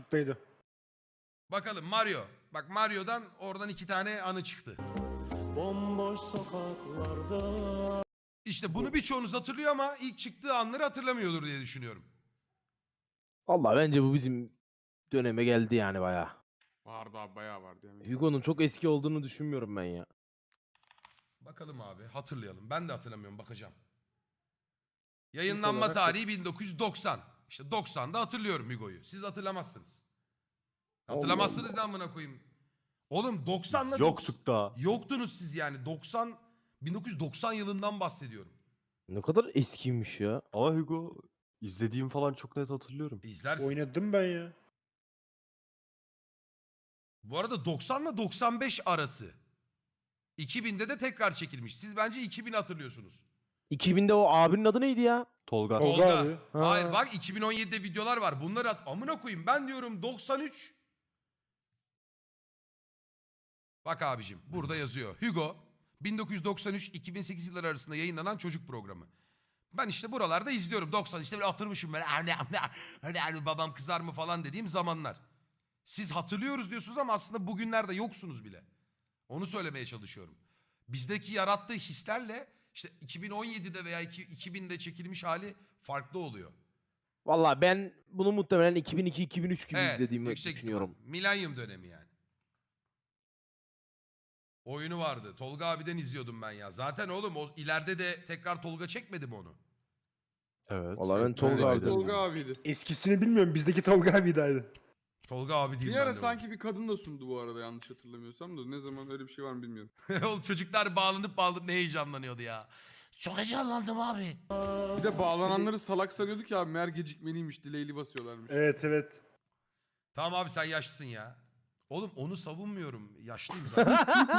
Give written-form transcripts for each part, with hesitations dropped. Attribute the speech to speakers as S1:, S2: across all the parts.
S1: Çocuktaydı.
S2: Bakalım Mario. Bak Mario'dan oradan 2 tane anı çıktı.
S3: Bomboş sokaklarda.
S2: İşte bunu birçoğunuz hatırlıyor ama ilk çıktığı anları hatırlamıyordur diye düşünüyorum.
S4: Vallahi bence bu bizim döneme geldi yani bayağı.
S5: Vardı abi, bayağı vardı yani.
S4: Hugo'nun çok eski olduğunu düşünmüyorum ben ya.
S2: Bakalım abi, hatırlayalım. Ben de hatırlamıyorum, bakacağım. Yayınlanma
S1: olarak
S2: tarihi 1990. İşte 90'da hatırlıyorum Hugo'yu. Siz hatırlamazsınız. Hatırlamazsınız ne amına koyayım. Oğlum 90'la
S6: Yoktuk da.
S2: Yoktunuz siz yani. 1990 yılından bahsediyorum.
S4: Ne kadar eskiymiş ya.
S6: Ama Hugo izlediğim falan çok net hatırlıyorum.
S2: İzlersin.
S1: Oynadım ben ya.
S2: Bu arada 90 ile 95 arası. 2000'de de tekrar çekilmiş. Siz bence 2000 hatırlıyorsunuz.
S4: 2000'de o abinin adı neydi ya?
S6: Tolga.
S1: Tolga abi.
S4: Ha.
S2: Hayır bak 2017'de videolar var. Bunları amına koyayım. Ben diyorum 93. Bak abicim burada yazıyor. Hugo 1993-2008 yılları arasında yayınlanan çocuk programı. Ben işte buralarda izliyorum. 90 işte böyle atırmışım böyle. Hani babam kızar mı falan dediğim zamanlar. Siz hatırlıyoruz diyorsunuz ama aslında bugünlerde yoksunuz bile. Onu söylemeye çalışıyorum. Bizdeki yarattığı hislerle işte 2017'de veya 2000'de çekilmiş hali farklı oluyor.
S4: Vallahi ben bunu muhtemelen 2002-2003 gibi izlediğimi
S2: yüksek
S4: düşünüyorum.
S2: ihtimal. Milenyum dönemi yani. Oyunu vardı. Tolga abiden izliyordum ben ya. Zaten oğlum o ileride de tekrar Tolga çekmedi mi onu?
S6: Evet.
S4: Vallahi ben Tolga
S6: Öyleydi.
S4: abiden
S5: Tolga abiydi.
S1: Eskisini bilmiyorum. Bizdeki Tolga abiydi.
S2: Tolga abi değil
S5: Bir
S2: ben
S5: ara
S2: de
S5: sanki bir kadın da sundu bu arada, yanlış hatırlamıyorsam da. Ne zaman öyle bir şey var mı bilmiyorum.
S2: oğlum çocuklar bağlanıp ne heyecanlanıyordu ya. Çok heyecanlandım abi.
S5: Bir de bağlananları salak sanıyorduk ya abi. Meğer gecikmeliymiş. Delay'li basıyorlarmış.
S1: Evet evet.
S2: Tamam abi sen yaşlısın ya. Oğlum onu savunmuyorum. Yaşlıyım zaten.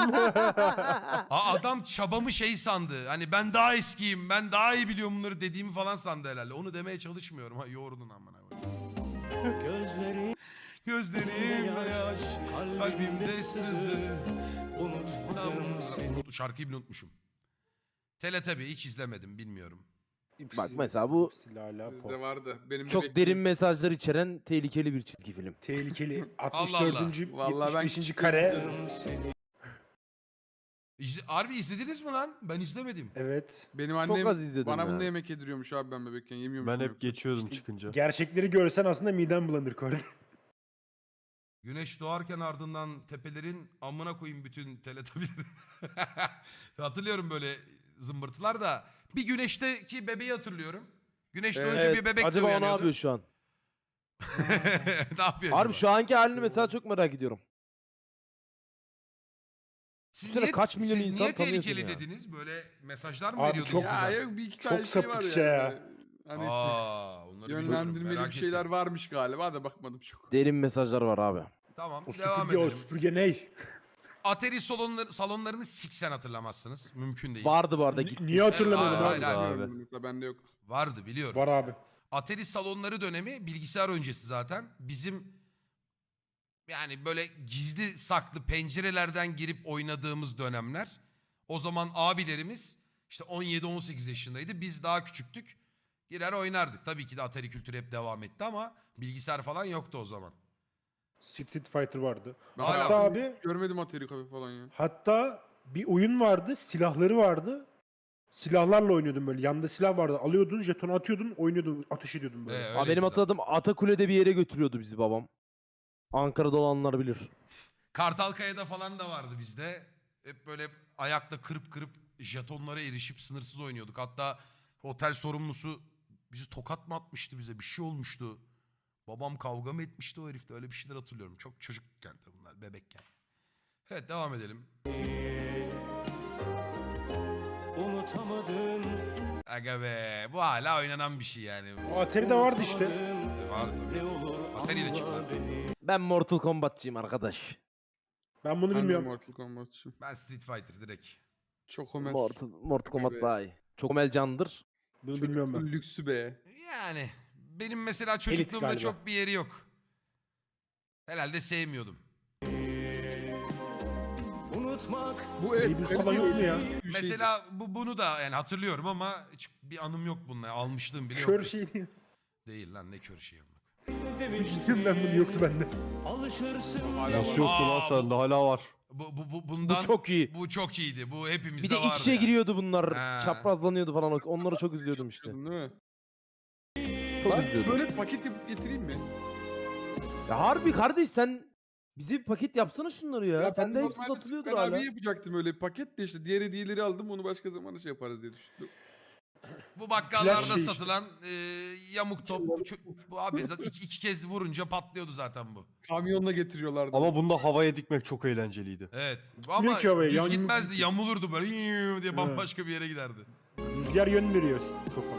S2: Adam çabamı şey sandı. Hani ben daha eskiyim, ben daha iyi biliyorum bunları dediğimi falan sandı herhalde. Onu demeye çalışmıyorum. Ha yoğurdun amına koyayım.
S3: Gözleri
S2: Gözlerimde yaş, kalbimde sızı.
S3: unutmadım seni.
S2: Şarkıyı bile unutmuşum. Teletabi hiç izlemedim, bilmiyorum.
S4: Bak mesela bu
S1: Silahla
S5: Bizde vardı. Benim de
S4: çok
S5: bekledim.
S4: derin mesajlar içeren tehlikeli bir çizgi film.
S1: tehlikeli.
S2: Allah.
S1: 64.
S5: Vallahi ben
S1: 75. kare.
S2: Harbi izlediniz mi lan? Ben izlemedim.
S1: Evet.
S5: Benim annem
S4: az izledim
S5: bana
S4: ya.
S5: bunu yemek yediriyormuş abi ben bebekken. Yemiyormuşum
S6: Ben hep
S5: yoksa.
S6: geçiyordum çıkınca.
S1: Gerçekleri görsen aslında miden bulanır Kordi.
S2: Güneş doğarken ardından tepelerin amına koyayım bütün teletabileri. Hatırlıyorum böyle zımbırtılar da. Bir güneşteki bebeği hatırlıyorum. Güneşten önce bir bebek de
S4: Acaba o ne
S2: uyanıyordu.
S4: yapıyor şu an?
S2: Ne yapıyor
S4: Harbi
S2: acaba?
S4: şu anki halini mesela çok merak ediyorum.
S2: Siz
S4: Düşünsene
S2: niye,
S4: kaç milyon
S2: siz
S4: insan
S2: niye
S4: tanıyorsun
S2: tehlikeli
S4: ya.
S2: dediniz? Böyle mesajlar mı
S1: Abi
S2: veriyordu
S1: çok-
S5: Ya
S2: izleden?
S5: yok, bir iki tane
S1: Çok
S5: şey var
S1: sapıkça
S5: yani.
S1: ya.
S5: Hani
S2: Onları bilmiyorum.
S5: yönlendirmeli
S2: Merak
S5: bir şeyler
S2: ettim.
S5: varmış galiba da bakmadım çok.
S4: Derin mesajlar var abi.
S2: Tamam
S1: O
S2: devam
S1: süpürge, o
S2: edelim.
S1: süpürge ney?
S2: Atari salonlarını siksen hatırlamazsınız. Mümkün değil.
S4: Vardı bu arada gitti.
S1: Niye hatırlamadım
S2: hayır,
S1: abi?
S2: hayır.
S6: Abi.
S5: Bilmiyorum, mesela bende yok.
S2: Vardı biliyorum.
S1: Var abi.
S2: Atari salonları dönemi bilgisayar öncesi zaten. Bizim yani böyle gizli saklı pencerelerden girip oynadığımız dönemler. O zaman abilerimiz işte 17-18 yaşındaydı. Biz daha küçüktük. Girer oynardık. Tabii ki de Atari kültürü hep devam etti ama bilgisayar falan yoktu o zaman.
S1: Street Fighter vardı.
S5: Ben
S2: Hala-
S1: Hatta
S5: hayatımda
S1: abi
S5: hiç görmedim Atari Cafe falan ya.
S1: hatta bir oyun vardı. Silahları vardı. Silahlarla oynuyordun böyle. Yanında silah vardı. Alıyordun, jetonu atıyordun, oynuyordun, ateş ediyordun böyle.
S2: Öyleydi
S4: Abi benim
S2: zaten.
S4: hatırladığım Atakule'de bir yere götürüyordu bizi babam. Ankara'da olanlar bilir.
S2: Kartalkaya'da falan da vardı bizde. Hep böyle ayakta kırıp kırıp jetonlara erişip sınırsız oynuyorduk. Hatta otel sorumlusu bizi tokat mı atmıştı bize? Bir şey olmuştu. Babam kavga mı etmişti o herifle? Öyle bir şeyler hatırlıyorum. Çok çocukken de bunlar, bebekken. Evet devam edelim.
S3: Unutamadım.
S2: Aga be bu hala oynanan bir şey yani.
S1: O Atari'de vardı işte.
S2: Vardı.
S3: Ne olur
S2: Atari ile çıktı.
S3: anla beni.
S4: Ben Mortal Kombat'cıyım arkadaş.
S1: Ben bunu
S5: Ben de
S1: bilmiyorum.
S5: Mortal Kombat'çıyım.
S2: Ben Street Fighter direkt.
S5: Çok Homer.
S4: Mortal Kombat
S5: Be.
S4: daha iyi. Çok Omel candır.
S1: Bunu
S5: Çocuk
S1: bilmiyorum ben.
S5: lüksü be.
S2: Yani benim mesela çocukluğumda
S1: galiba.
S2: çok bir yeri yok. Herhalde sevmiyordum.
S3: Unutmak
S5: Bu evet.
S1: Baby falan yok mu ya?
S5: bir şeydi.
S2: Mesela bunu da yani hatırlıyorum ama hiç bir anım yok bununla. Almışlığım bile
S1: Kör
S2: yok.
S1: şey değil.
S2: Değil lan ne kör şey yapmak.
S3: demiştim.
S1: Ben bunu yoktu bende.
S3: Alışırsın.
S5: Hala
S6: Nasıl
S5: var.
S6: yoktu lan sende hala var.
S2: Bundan
S4: Bu çok iyi.
S2: bu çok iyiydi. Bu hepimizde
S4: Bir de
S2: vardı.
S4: iç içe
S2: yani.
S4: giriyordu bunlar.
S2: He.
S4: Çaprazlanıyordu falan. Onları çok izliyordum işte.
S5: Çalışıyordun değil mi?
S4: Çok
S5: Ben
S4: izliyordum.
S5: böyle paket yapıp getireyim mi?
S4: Ya harbi kardeş sen bize bir paket yapsana şunları ya.
S5: ben
S4: Sende hepsi
S5: normalde
S4: satılıyordur
S5: Tukan
S4: hala.
S5: abi yapacaktım öyle bir paket de işte diğer hediyeleri aldım onu başka zaman şey yaparız diye düşündüm.
S2: Bu bakkallarda
S1: Flash şey işte.
S2: satılan yamuk top. Bu abi zaten iki kez vurunca patlıyordu zaten bu.
S5: Kamyonla getiriyorlardı.
S6: Ama bunda havaya dikmek çok eğlenceliydi.
S2: Evet. Ama
S1: ki havaya,
S2: düz
S1: yamuk
S2: gitmezdi.
S1: gitti.
S2: Yamulurdu böyle diye bambaşka bir yere giderdi.
S1: Rüzgar yön veriyor topa.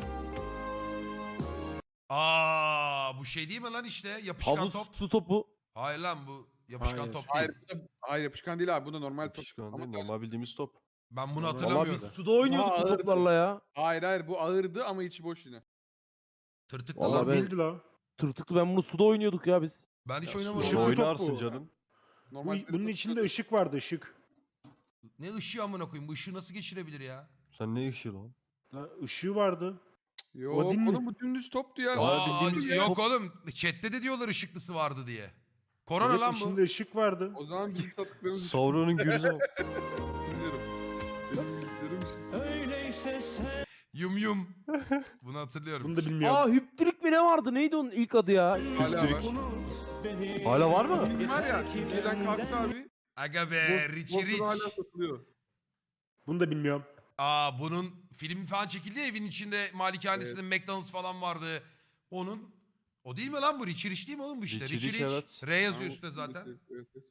S2: Aa, bu şey değil mi lan işte yapışkan
S4: Havuz
S2: top?
S4: su topu.
S2: Hayır lan bu yapışkan
S1: Hayır.
S2: top değil.
S5: Hayır, hayır yapışkan değil abi bu da normal top.
S6: Yapışkan
S5: Ama
S6: değil, normal bildiğimiz top.
S2: Ben bunu
S1: Vallahi
S4: Valla
S2: hatırlamıyorum.
S4: biz suda oynuyorduk bu
S5: ağırdı.
S4: toplarla ya.
S5: Hayır bu ağırdı ama içi boş yine.
S2: Tırtıklı
S4: Vallahi
S2: lan.
S4: ben-
S1: Bildi la.
S4: Tırtıklı ben bunu suda oynuyorduk ya biz.
S2: Ben hiç
S6: Ya,
S2: oynamadım.
S1: Işıklı
S6: suda
S1: top
S6: oynarsın
S1: bu.
S6: canım.
S1: Bunun içinde ışık vardı ışık.
S2: Ne ışığı amına koyayım? Bu ışığı nasıl geçirebilir ya?
S6: Sen ne işi lan?
S1: La, ışığı vardı.
S5: Yok
S1: O değil mi?
S5: oğlum bu dümdüz toptu ya.
S6: Aa,
S1: bildiğimiz
S2: Yok
S1: top.
S2: oğlum. Chat'te de diyorlar ışıklısı vardı diye. Korona
S1: Evet,
S2: lan bu.
S1: içinde ışık vardı.
S5: O zaman bizim tatlıklarımız
S6: Sauron'un gürüze bak.
S5: biliyorum. Benim bilgisayarım ışıksız.
S3: Öyleyse sen.
S2: Yum yum. Bunu hatırlıyorum.
S1: Bunu da bilmiyorum.
S4: Aa hüptürük mi ne vardı? Neydi onun ilk adı ya?
S5: Hala var.
S3: Unut beni.
S6: Hala var mı?
S5: Film var ya Türkiye'den kalktı abi.
S2: Aga be Richie
S5: Bozkır'da hala
S2: Rich.
S5: satılıyor.
S1: Bunu da bilmiyorum.
S2: Aa, bunun filmi falan çekildi ya, evin içinde malikanesinde McDonald's falan vardı. O değil mi lan bu? Richie Rich değil mi oğlum bu işte?
S6: Richie
S2: Richie
S6: Rich,
S2: Rich.
S6: evet.
S2: R yazıyor
S5: Tamam,
S2: üstte zaten.
S5: evet, evet.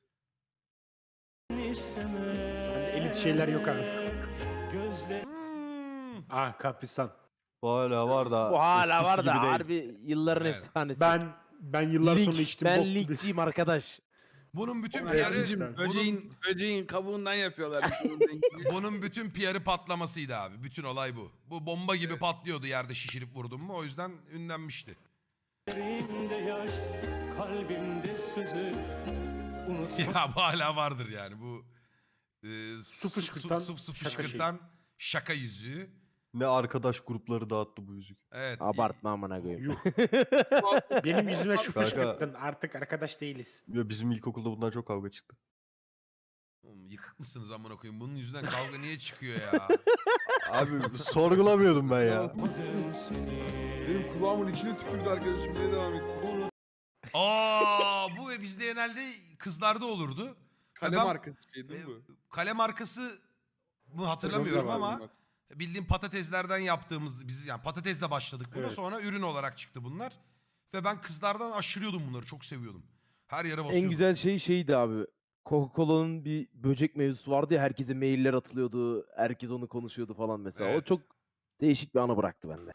S1: Bende elit şeyler yok abi.
S3: Gözler.
S1: Ah Kaprisan.
S6: Bu hala var da
S4: Bu hala
S6: eskisi
S4: var da
S6: gibi değil.
S4: harbi yılların
S2: Evet.
S4: efsanesi.
S1: Ben yıllar sonra içtim.
S4: Ben
S1: bok gibi.
S4: linkçiyim arkadaş.
S2: Bunun bütün
S1: Evet,
S2: PR'ı
S1: abicim,
S5: Böceğin kabuğundan yapıyorlar.
S2: bunun bütün PR'ı patlamasıydı abi. Bütün olay bu. Bu bomba gibi patlıyordu yerde şişirip vurdun mu. O yüzden ünlenmişti.
S3: Gözlerimde yaş, kalbimde sızı. Unutma.
S2: Ya bu hala vardır yani bu.
S1: Su fışkırtan
S2: su
S1: şaka
S2: fışkırtan şaka yüzüğü.
S6: Ne arkadaş grupları dağıttı bu yüzük.
S2: Evet.
S4: Abartma amına koyayım.
S1: Yuh. Benim yüzüme şu
S6: Kanka.
S1: fışkırttın. Artık arkadaş değiliz.
S6: Ya bizim ilkokulda bundan çok kavga çıktı.
S2: Oğlum, yıkık mısınız amına koyayım? Bunun yüzünden kavga niye çıkıyor ya?
S6: Abi sorgulamıyordum ben ya.
S3: Unutmadım seni.
S5: Benim kulağımın içine tükürdü arkadaşım. Niye devam etti?
S2: Aa, bu ve bizde genelde kızlarda olurdu.
S5: Kalem
S2: Ben-
S5: arkası şey değil mi bu?
S2: Kale markası mı hatırlamıyorum
S5: Var
S2: ama
S5: bunlar.
S2: bildiğim patateslerden yaptığımız biz yani patatesle başladık buna,
S1: Evet.
S2: sonra ürün olarak çıktı bunlar. Ve ben kızlardan aşırıyordum bunları, çok seviyordum. Her yere basıyordum.
S4: En güzel şey şeydi abi. Coca-Cola'nın bir böcek mevzusu vardı ya, herkese mailler atılıyordu. Herkes onu konuşuyordu falan mesela.
S2: Evet.
S4: O çok değişik bir anı bıraktı bende.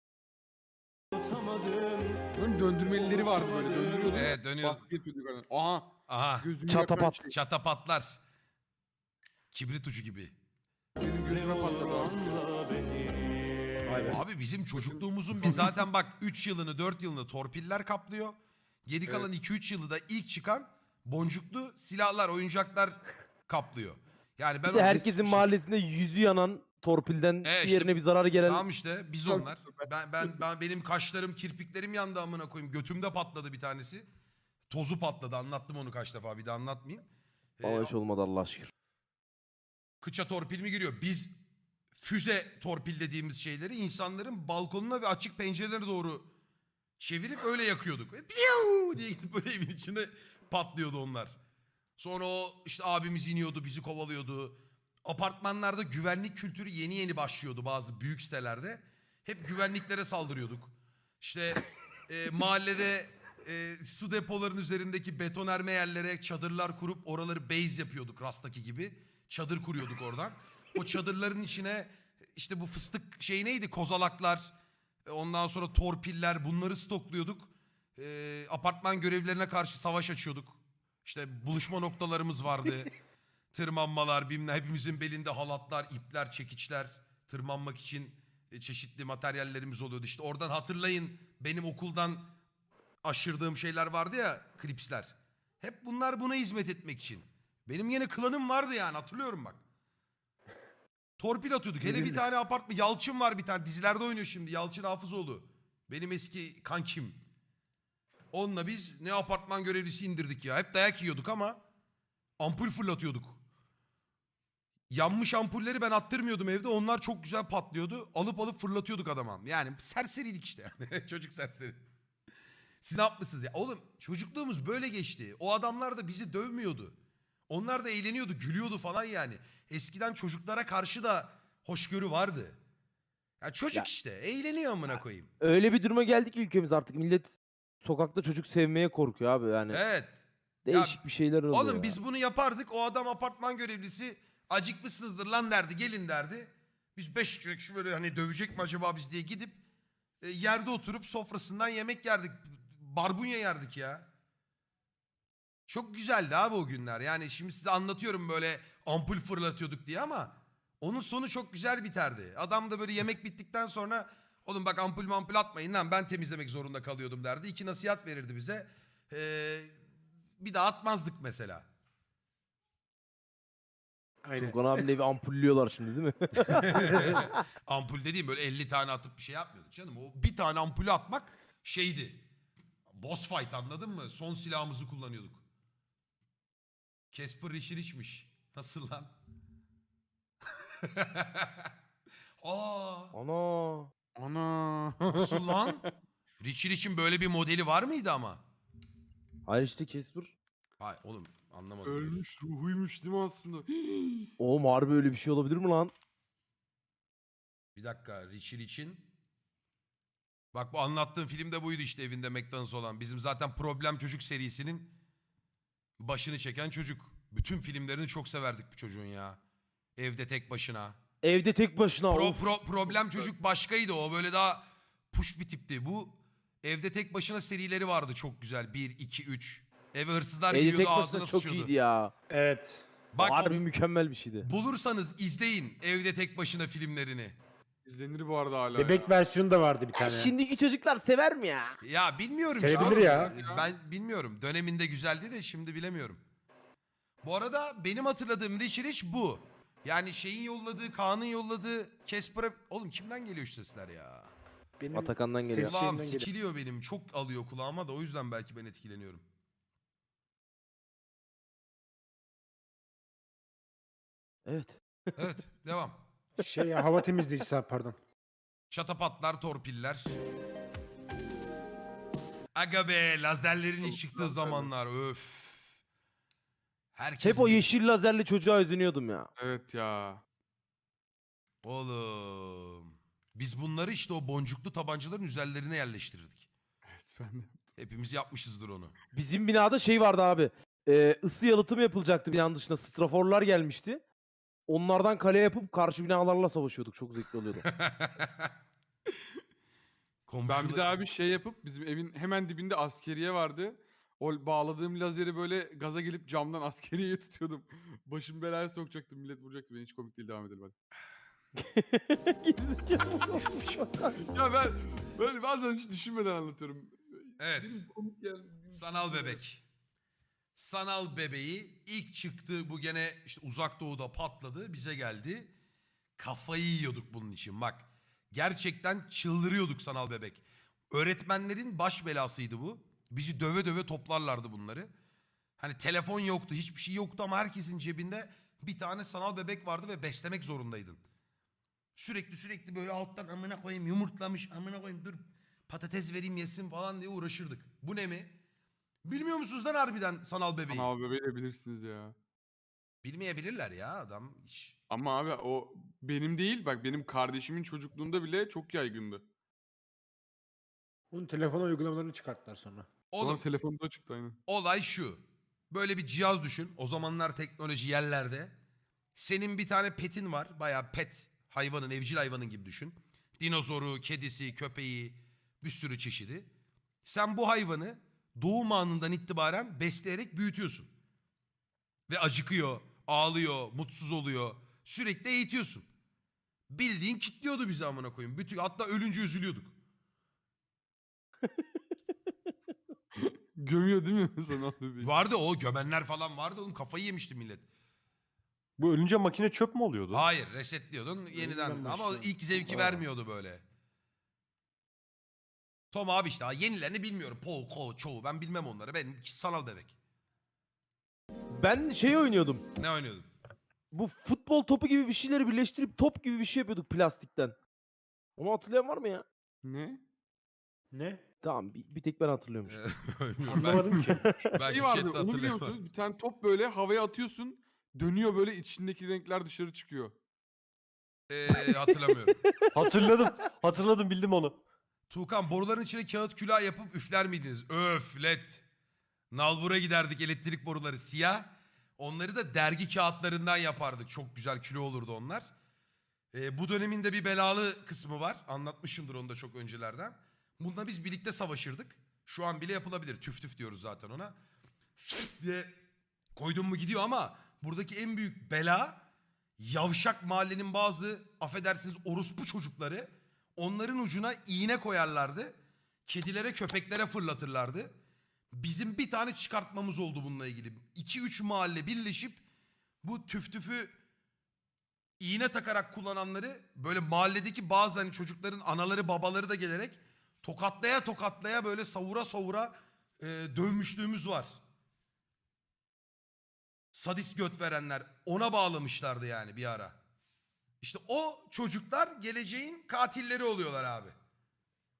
S3: Unutamadım.
S5: Bunun döndürmelileri vardı böyle. Döndürüyordun.
S2: Evet, dönüyor.
S5: Baskı yapıyorduk hani. Aha.
S2: Aha,
S5: Gözümü
S4: Çatapat.
S5: yakan şey.
S2: çatapatlar. Kibrit ucu gibi.
S5: Benim gözüme patladı abi.
S3: Anla beni.
S2: Abi bizim çocukluğumuzun bir zaten bak 3 yılını 4 yılını torpiller kaplıyor. Geri kalan 2-3 yılı da ilk çıkan boncuklu silahlar, oyuncaklar kaplıyor. Yani ben
S4: Bir de
S2: o-
S4: herkesin mahallesinde yüzü yanan torpilden
S2: işte
S4: diğerine bir zarar gelen.
S2: Tamam işte biz onlar. Ben benim kaşlarım, kirpiklerim yandı amına koyayım. Götümde patladı bir tanesi. Tozu patladı. Anlattım onu kaç defa, bir de anlatmayayım.
S4: Valla hiç olmadı Allah'a şükür.
S2: Kıça torpil mi giriyor? Biz füze torpil dediğimiz şeyleri insanların balkonuna ve açık pencerelere doğru çevirip öyle yakıyorduk. Ve piyav diye gidip böyle evin içinde patlıyordu onlar. Sonra o işte abimiz iniyordu, bizi kovalıyordu. Apartmanlarda güvenlik kültürü yeni yeni başlıyordu bazı büyük sitelerde. Hep güvenliklere saldırıyorduk. İşte mahallede su depolarının üzerindeki betonerme yerlere çadırlar kurup oraları base yapıyorduk, Rast'taki gibi. Çadır kuruyorduk oradan. O çadırların içine işte bu fıstık şey neydi? Kozalaklar, ondan sonra torpiller, bunları stokluyorduk. Apartman görevlilerine karşı savaş açıyorduk. İşte buluşma noktalarımız vardı. Tırmanmalar, bilmem, hepimizin belinde halatlar, ipler, çekiçler, tırmanmak için çeşitli materyallerimiz oluyordu. İşte oradan hatırlayın, benim okuldan aşırdığım şeyler vardı ya, klipsler. Hep bunlar buna hizmet etmek için. Benim yine klanım vardı yani, hatırlıyorum bak. Torpil atıyorduk. Hele bir tane apartman, Yalçın var bir tane, dizilerde oynuyor şimdi, Yalçın Hafızoğlu. Benim eski kankim. Onunla biz ne apartman görevlisi indirdik ya. Hep dayak yiyorduk ama ampul fırlatıyorduk. Yanmış ampulleri ben attırmıyordum evde. Onlar çok güzel patlıyordu. Alıp fırlatıyorduk adama. Yani serseriydik işte. Çocuk serseri. Siz ne yapmışsınız ya? Oğlum çocukluğumuz böyle geçti. O adamlar da bizi dövmüyordu. Onlar da eğleniyordu, gülüyordu falan yani. Eskiden çocuklara karşı da hoşgörü vardı. Ya çocuk
S4: Ya-
S2: işte. Eğleniyor amına koyayım.
S4: Öyle bir duruma geldik ki ülkemiz artık millet sokakta çocuk sevmeye korkuyor abi yani.
S2: Evet.
S4: Değişik bir şeyler oluyor
S2: Oğlum
S4: ya.
S2: biz bunu yapardık. O adam apartman görevlisi acıkmışsınızdır lan derdi. Gelin derdi. Biz 5 kişi şu böyle hani dövecek mi acaba biz diye gidip yerde oturup sofrasından yemek yerdik. Barbunya yerdik ya. Çok güzeldi abi o günler. Yani şimdi size anlatıyorum böyle ampul fırlatıyorduk diye ama onun sonu çok güzel biterdi. Adam da böyle yemek bittikten sonra oğlum bak ampul atmayın lan ben temizlemek zorunda kalıyordum derdi. 2 nasihat verirdi bize. Bir daha atmazdık mesela.
S1: Aynen.
S4: Furkan abinin evi ampullüyorlar şimdi değil mi?
S2: Ampul dediğim böyle 50 tane atıp bir şey yapmıyorduk canım. O bir tane ampulü atmak şeydi. Boss fight anladın mı? Son silahımızı kullanıyorduk. Casper Rich'miş. Nasıl lan? Aa,
S4: Ana.
S5: Ana.
S2: nasıl lan? Rich'in böyle bir modeli var mıydı ama?
S4: Hayır işte Casper.
S2: Hayır oğlum anlamadım.
S5: Ölmüş ruhuymuş değil mi aslında?
S4: Oğlum harbi öyle bir şey olabilir mi lan?
S2: Bir dakika Rich'in. Bak bu anlattığım film de buydu işte evinde McDonald's olan. Bizim zaten Problem Çocuk serisinin başını çeken çocuk. Bütün filmlerini çok severdik bu çocuğun ya. Evde tek başına.
S4: Evde tek başına. of.
S2: Problem Çocuk başkaydı o böyle daha push bir tipti. Bu evde tek başına serileri vardı çok güzel. 1, 2, 3. Eve hırsızlar
S4: Evde
S2: giriyordu
S4: tek başına
S2: ağzına
S4: çok
S2: sıçıyordu.
S4: iyiydi ya.
S1: Evet.
S2: Bak
S4: Harbi mükemmel bir şeydi.
S2: bulursanız izleyin evde tek başına filmlerini.
S5: İzlenir bu arada hala
S1: Bebek
S5: ya.
S1: versiyonu da vardı bir
S4: Ya
S1: tane.
S4: şimdiki çocuklar sever mi ya?
S2: Ya bilmiyorum
S1: Sevebilir
S2: işte.
S1: ya.
S2: Ben bilmiyorum. Döneminde güzeldi de şimdi bilemiyorum. Bu arada benim hatırladığım Rich bu. Yani şeyin yolladığı, Kaan'ın yolladığı Casper'a... Oğlum kimden geliyor şu sesler ya?
S1: Benim
S4: Atakan'dan
S1: ses
S4: geliyor.
S2: Kulağım
S1: şeyinden geliyor.
S2: sikiliyor benim. Çok alıyor kulağıma da o yüzden belki ben etkileniyorum.
S4: Evet.
S2: Evet devam.
S1: Şey ya, hava temizleyicisi abi, pardon.
S2: Çatapatlar, torpiller. Aga be lazerlerin ilk çıktığı zamanlar öf. Herkes
S4: Hep o yeşil lazerli çocuğa özeniyordum ya.
S5: Evet ya.
S2: Oğlum. Biz bunları işte o boncuklu tabancaların üzerlerine yerleştirirdik.
S5: Evet ben de.
S2: Hepimiz yapmışızdır onu.
S4: Bizim binada şey vardı abi. Isı yalıtım yapılacaktı binanın dışında. Straforlar gelmişti. Onlardan kale yapıp karşı binalarla savaşıyorduk. Çok zevkli oluyordu.
S5: Ben bir daha bir şey yapıp bizim evin hemen dibinde askeriye vardı. O bağladığım lazeri böyle gaza gelip camdan askeriyeye tutuyordum. Başım belaya sokacaktım. Millet vuracaktı. Ben hiç komik değil devam edelim hadi. Ya ben böyle bazen hiç düşünmeden anlatıyorum.
S2: Evet.
S5: Benim komik
S2: Sanal bebek. Sanal bebeği ilk çıktı bu gene işte uzak doğuda patladı bize geldi. Kafayı yiyorduk bunun için bak. Gerçekten çıldırıyorduk sanal bebek. Öğretmenlerin baş belasıydı bu. Bizi döve döve toplarlardı bunları. Hani telefon yoktu hiçbir şey yoktu ama herkesin cebinde bir tane sanal bebek vardı ve beslemek zorundaydın. Sürekli böyle alttan amına koyayım yumurtlamış amına koyayım dur patates vereyim yesin falan diye uğraşırdık. Bu ne mi? Bilmiyor musunuz lan harbiden sanal bebeği?
S5: Sanal bebeği de bilirsiniz ya.
S2: Bilmeyebilirler ya adam hiç.
S5: Ama abi o benim değil bak benim kardeşimin çocukluğunda bile çok yaygındı.
S1: Onun telefon uygulamalarını çıkarttılar sonra.
S5: Sonra
S2: Oğlum
S5: telefonda çıktı aynen.
S2: olay şu. Böyle bir cihaz düşün. O zamanlar teknoloji yerlerde. Senin bir tane petin var. Bayağı pet hayvanın, evcil hayvanın gibi düşün. Dinozoru, kedisi, köpeği bir sürü çeşidi. Sen bu hayvanı doğum anından itibaren besleyerek büyütüyorsun. Ve acıkıyor, ağlıyor, mutsuz oluyor. Sürekli eğitiyorsun. Bildiğin kitliyordu bizi amına koyayım. Bütün, hatta ölünce üzülüyorduk.
S5: Gömüyor değil mi sanal bebeği?
S2: Vardı o gömenler falan vardı. Oğlum kafayı yemişti millet.
S6: Bu ölünce makine çöp mü oluyordu?
S2: Hayır resetliyordun yeniden.
S1: Yeniden
S2: Ama o
S1: başlıyor.
S2: ilk zevki
S6: Aa.
S2: vermiyordu böyle. Tom abi işte yenilerini bilmiyorum. Paul, Ko, çoğu ben bilmem onları. Benim sanal bebek.
S4: Ben şey oynuyordum.
S2: Ne oynuyordun?
S4: Bu futbol topu gibi bir şeyleri birleştirip top gibi bir şey yapıyorduk plastikten. Onu hatırlayan var mı ya?
S5: Ne?
S1: Ne?
S4: Tamam bir tek ben hatırlıyormuşum.
S1: Anlamadım ki.
S2: Ben
S5: Şey vardı onu biliyor musunuz? Bir tane top böyle havaya atıyorsun. Dönüyor böyle içindeki renkler dışarı çıkıyor.
S2: Hatırlamıyorum.
S6: Hatırladım bildim onu.
S2: Tuğkan boruların içine kağıt külah yapıp üfler miydiniz? Öflet. Nalbur'a giderdik elektrik boruları siyah. Onları da dergi kağıtlarından yapardık. Çok güzel kilo olurdu onlar. Bu dönemin de bir belalı kısmı var. Anlatmışımdır onu da çok öncelerden. Bununla biz birlikte savaşırdık. Şu an bile yapılabilir. Tüf tüf diyoruz zaten ona. Diye koydun mu gidiyor ama buradaki en büyük bela yavşak mahallenin bazı affedersiniz orospu çocukları onların ucuna iğne koyarlardı. Kedilere köpeklere fırlatırlardı. Bizim bir tane çıkartmamız oldu bununla ilgili. 2-3 mahalle birleşip bu tüf tüfü iğne takarak kullananları böyle mahalledeki bazı hani çocukların anaları babaları da gelerek tokatlaya tokatlaya böyle savura savura dövmüşlüğümüz var. Sadist göt verenler ona bağlamışlardı yani bir ara. İşte o çocuklar geleceğin katilleri oluyorlar abi.